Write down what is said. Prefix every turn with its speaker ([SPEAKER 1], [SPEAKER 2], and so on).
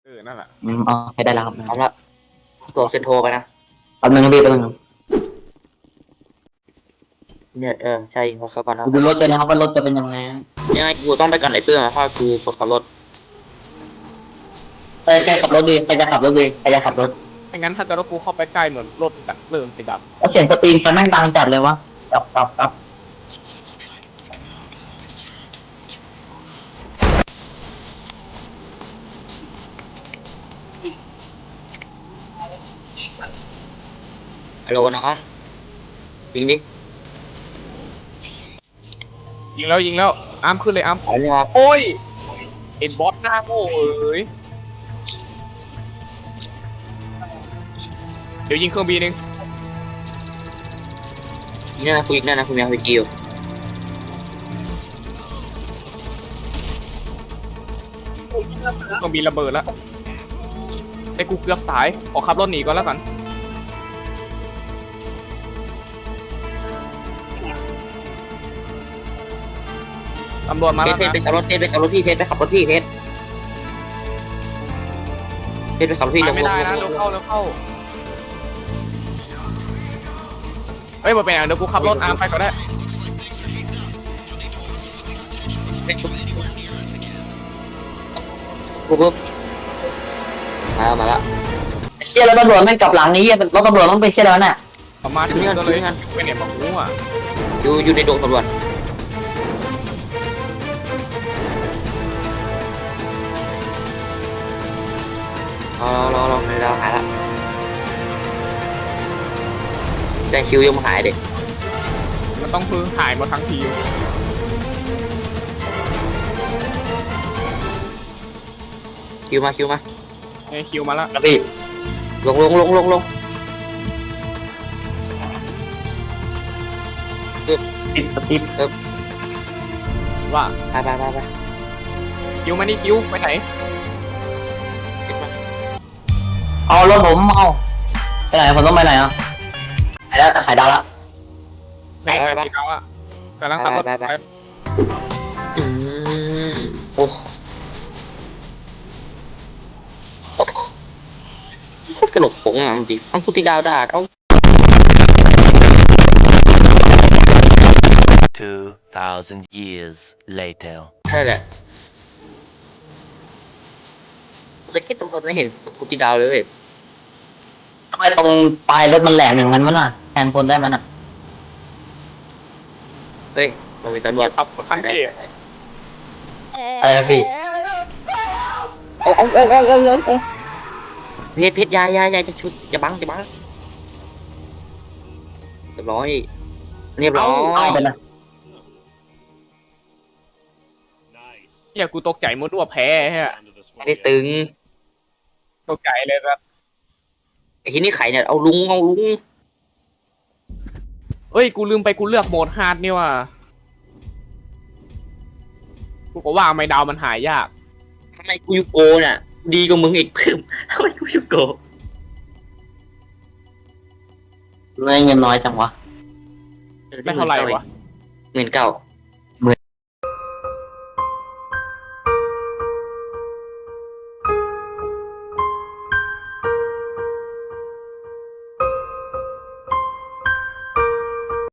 [SPEAKER 1] นั่นแหละ
[SPEAKER 2] อ๋อให้ได้แล้วครับ
[SPEAKER 3] พร้อมละตัวเซนโทรไปนะ
[SPEAKER 2] แป๊บนึงนะพี่แป๊บนึงครับ
[SPEAKER 3] เนี่ยใช่ขอสักก่อนนะ
[SPEAKER 2] ดูรถเลยนะครับว่ารถจะเป็นยังไง
[SPEAKER 3] ยังไงกูต้องไปกันไอ้เปื้อนเพราะกูกดขับรถ
[SPEAKER 2] ใครขับรถดีใครจะขับรถดีใครจะขับรถ
[SPEAKER 1] ไม่งั้นถ้าเกิดว่ากูเข้าไปใกล้เหมือนรถดับเริ่มติดดับ
[SPEAKER 2] แล้วเสียงสตรีมไฟแม่งดังจัดเลยวะกับ
[SPEAKER 3] ฮัลโหลน้องยิงดิ
[SPEAKER 1] ยิงแล้วอาร์มขึ้นเลยอาร์ม
[SPEAKER 3] ขอเนี่ยครับ
[SPEAKER 1] โอ้ยเอ็นบอสหน้าโง่เอ้ยเดี๋ยวยิงเครื่องบินเอง
[SPEAKER 3] ยิงนะกูยิงได้นะกูมีอาร์พีจีอยู่
[SPEAKER 1] เครื่องบินระเบิดแล้วไอ้กูเกือบตายขอขับรถหนีก่อนแล้วกันตำรวจมา
[SPEAKER 3] เพ
[SPEAKER 1] แล้ว
[SPEAKER 3] ชรไป
[SPEAKER 1] นะ
[SPEAKER 3] ขับรถเพชรไปขับรถพี่เพชรไปขับรถพี่เพชรไปขับรถพี่
[SPEAKER 1] มาไม่ได้นะเร็วเข้าเฮ้ยมาเป็นอย่างเดี๋ยวกูขับรถอาร์มไปก็ได้
[SPEAKER 3] ปุ๊บมาละ
[SPEAKER 2] เชี่ยแล้วตำรวจแม่งกลับหลังนี้รถตำรวจต้องไปเชี่ยแล้วน่ะ
[SPEAKER 1] ประมาณถึงก็เลยไม่เนี่ยมาหูอ่ะ
[SPEAKER 3] อยู่ในดงตำรวจรอในดาวหายละแต่คิวยังไม่หายเด็ก
[SPEAKER 1] มันต้องพึ่งหายมาทั้งทีม
[SPEAKER 3] คิวมา
[SPEAKER 1] ไอ้คิวมาแล้ว
[SPEAKER 2] ครับพี่
[SPEAKER 3] ลง
[SPEAKER 2] ติดสติ๊ป
[SPEAKER 1] ว่า
[SPEAKER 3] ไป
[SPEAKER 1] คิวมานี่คิวไปไหน
[SPEAKER 2] เอารถผมเอาไปไหนผมต้องไปไหนอ่ะหายแล้วหายดาวละ
[SPEAKER 1] ไหนที่เขาอะกำลังขับรถไป
[SPEAKER 3] โอ้กระหนกผงอ่ะจริงต้องพูดที่ดาวด่าเอา
[SPEAKER 4] 2,000 years later.
[SPEAKER 3] ใช่แหละแต่แค่ตรงไม่เห็นพูดที่ดาวเลยเว้ย
[SPEAKER 2] ทำไมตรงปลายรถมันแหลมอย่างนั้นวะน่ะแทนพลได้มันอ่ะ
[SPEAKER 3] เฮ้ยมันมีตำรวจ
[SPEAKER 1] ขับคันเอก
[SPEAKER 2] อะไรนะพี่
[SPEAKER 3] เอาเพชรยายจะชุดจะบังเรียบร้อย
[SPEAKER 2] เอาไปนะ
[SPEAKER 1] เฮียกูตกใจมุดว่าแพ้ฮะ
[SPEAKER 3] ไม่ได้ตึง
[SPEAKER 1] ตกใจเลยครับ
[SPEAKER 3] ไอ้ที่นี่ไข่เนี่ยเอาลุง
[SPEAKER 1] เอ้ยกูลืมไปกูเลือกโหมดฮาร์ดนี่ว่ะกูก็ว่าไม่ดาวมันหายยาก
[SPEAKER 3] ทำไมกูยูโกเนี่ยดีกว่ามึงอีกเพิ่มทำไมกูยูโก
[SPEAKER 2] ไม่เงินน้อยจังวะ
[SPEAKER 1] ไม่เท่าไหร่วะ
[SPEAKER 3] 19,000